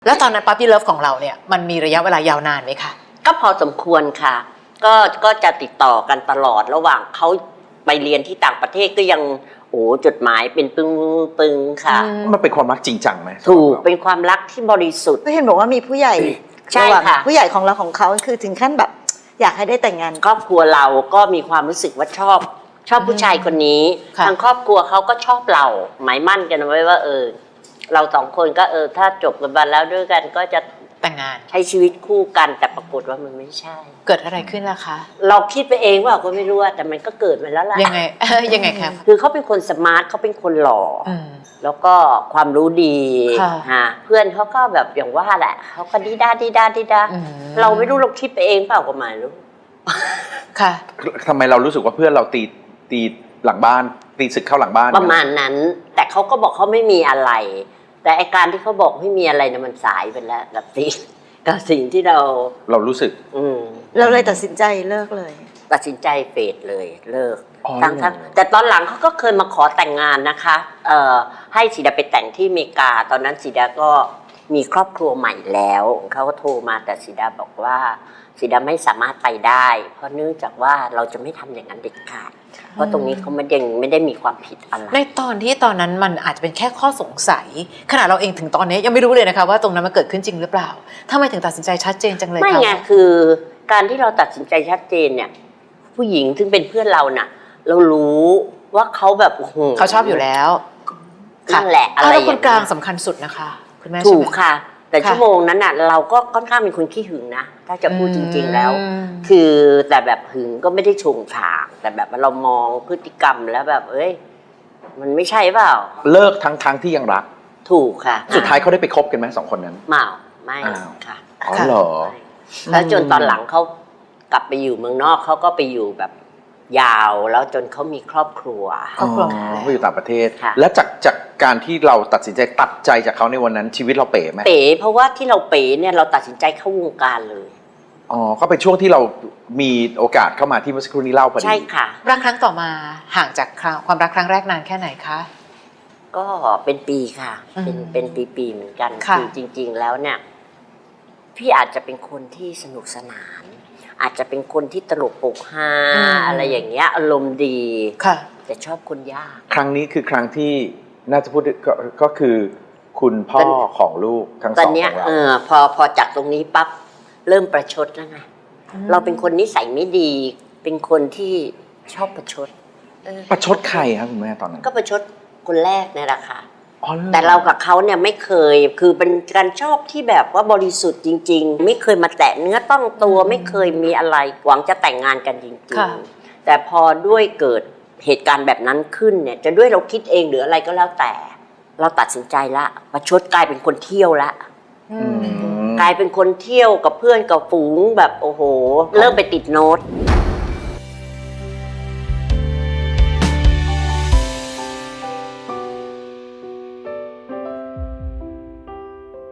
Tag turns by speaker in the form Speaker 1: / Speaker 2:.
Speaker 1: แล้วตอนนั้นปั๊ปปี้เลิฟของเราเนี่ยมันมีระยะเวลายาวนานไหมคะ
Speaker 2: ก็พอสมควรค่ะก็จะติดต่อกันตลอดระหว่างเขาไปเรียนที่ต่างประเทศก็ยังจดหมายเป็นปึงค่ะ
Speaker 3: มันเป็นความรักจริงจังไหม
Speaker 2: ถูกเป็นความรักที่บริสุทธิ์
Speaker 4: ก็เห็นบอกว่ามีผู้ใหญ่
Speaker 2: ใช่ค่ะ
Speaker 4: ผู้ใหญ่ของเราของเขาคือถึงขั้นแบบอยากให้ได้แต่งงาน
Speaker 2: ครอบครัวเราก็มีความรู้สึกว่าชอบผู้ชายคนนี้ทางครอบครัวเขาก็ชอบเราหมายมั่นกันไว้ว่าเราสองคนก็ถ้าจบกันไปแล้วด้วยกันก็จะ
Speaker 1: แต่งงาน
Speaker 2: ใช้ชีวิตคู่กันแต่ปรากฏว่ามันไม่ใช่
Speaker 1: เกิดอะไรขึ้นล่ะคะ
Speaker 2: เราคิดไปเองว่าก็ไม่รู้แต่มันก็เกิดมาแล้วล่ะ
Speaker 1: ยังไงยังไงครับ
Speaker 2: คือเขาเป็นคนสมาร์ทเขาเป็นคนหล่อแล้วก็ความรู้ดีเพื่อนเขาก็แบบอย่างว่าแหละเขาก็ดีด้าเราไม่รู้เราคิดไปเองเปล่าก็ไม่รู้
Speaker 1: ค่ะ
Speaker 3: ทำไมเรารู้สึกว่าเพื่อนเราตีหลังบ้านตีศึกเข้าหลังบ้าน
Speaker 2: ประมาณนั้นแต่เขาก็บอกเขาไม่มีอะไรแต่ไอการที่เขาบอกไม่มีอะไรเนี่ยมันสายไปแล้วกับสิ่งที่เรา
Speaker 3: รู้สึก
Speaker 4: เราเลยตัดสินใจเลิกเลย
Speaker 2: ตัดสินใจเฟดเลยเลิกทั้งแต่ตอนหลังเขาก็เคยมาขอแต่งงานนะคะให้สีดาไปแต่งที่อเมริกาตอนนั้นสีดาก็มีครอบครัวใหม่แล้วเขาก็โทรมาแต่สีดาบอกว่าสีดาไม่สามารถไปได้เพราะเนื่องจากว่าเราจะไม่ทำอย่างนั้นเด็ดขาดเพราะตรงนี้เขาไม่ได้มีความผิดอะไร
Speaker 1: ในตอนนั้นมันอาจจะเป็นแค่ข้อสงสัยขณะเราเองถึงตอนนี้ยังไม่รู้เลยนะคะว่าตรงนั้นมันเกิดขึ้นจริงหรือเปล่าทำไมถึงตัดสินใจชัดเจนจังเลย
Speaker 2: ไม่ไงคือการที่เราตัดสินใจชัดเจนเนี่ยผู้หญิงซึ่งเป็นเพื่อนเราน่ะเรารู้ว่าเขาแบบ
Speaker 1: เขาชอบอยู่แล้ว
Speaker 2: นั่นแหละอะไร
Speaker 1: แล้วคนกลางสำคัญสุดนะคะคุณแม่
Speaker 2: ถูกค่ะแต่ชั่วโมงนั้นน่ะเราก็ค่อนข้างเป็นคนขี้หึงนะถ้าจะพูดจริงๆแล้วคือแต่แบบหึงก็ไม่ได้ชงฉากแต่แบบเรามองพฤติกรรมแล้วแบบมันไม่ใช่เปล่า
Speaker 3: เลิกทั้งที่ยังรัก
Speaker 2: ถูกค่ะ
Speaker 3: สุดท้ายเขาได้ไปคบกันไหม2 คนนั้น
Speaker 2: ไม่ค่ะ
Speaker 3: อ๋อเหรอ
Speaker 2: แล้วจนตอนหลังเขากลับไปอยู่เมืองนอกเขาก็ไปอยู่แบบยาวแล้วจนเขามีครอบครัว
Speaker 3: เขาอยู่ต่างประเทศแล้วจากการที่เราตัดสินใจตัดใจจากเขาในวันนั้นชีวิตเราเป๋ไหม
Speaker 2: เป๋เพราะว่าที่เราเป๋เนี่ยเราตัดสินใจเข้าวงการเลย
Speaker 3: ก็เป็นช่วงที่เรามีโอกาสเข้ามาที่เมื่อสักครู่นี้เล่าพอดี
Speaker 2: ใช่ค่ะ
Speaker 1: รักครั้งต่อมาห่างจากความรักครั้งแรกนานแค่ไหนคะ
Speaker 2: ก็เป็นปีค่ะเป็นปีเหมือนกันคือจริงๆแล้วเนี่ยพี่อาจจะเป็นคนที่สนุกสนานอาจจะเป็นคนที่ตลกโปกฮาอะไรอย่างเงี้ยอารมณ์ดีแต่ชอบคนยาก
Speaker 3: ครั้งนี้คือครั้งที่น่าจะพูดก็คือคุณพ่อของลูกทั้งสอง
Speaker 2: ตอนนี้พอจากตรงนี้ปั๊บเริ่มประชดแล้วไงเราเป็นคนนิสัยไม่ดีเป็นคนที่ชอบประชด
Speaker 3: ใครครับคุณแม่ตอนนั้น
Speaker 2: ก็ประชดคนแรกเนี่ยแหละค่ะแต่เรากับเขาเนี่ยไม่เคยคือเป็นการชอบที่แบบว่าบริสุทธิ์จริงๆไม่เคยมาแตะเนื้อต้องตัวไม่เคยมีอะไรหวังจะแต่งงานกันจริงๆแต่พอด้วยเกิดเหตุการณ์แบบนั้นขึ้นเนี่ยจะด้วยเราคิดเองหรืออะไรก็แล้วแต่เราตัดสินใจละประชดกลายเป็นคนเที่ยวละกลายเป็นคนเที่ยวกับเพื่อนกับฝูงแบบโอ้โหเริ่มไปติดโน้ต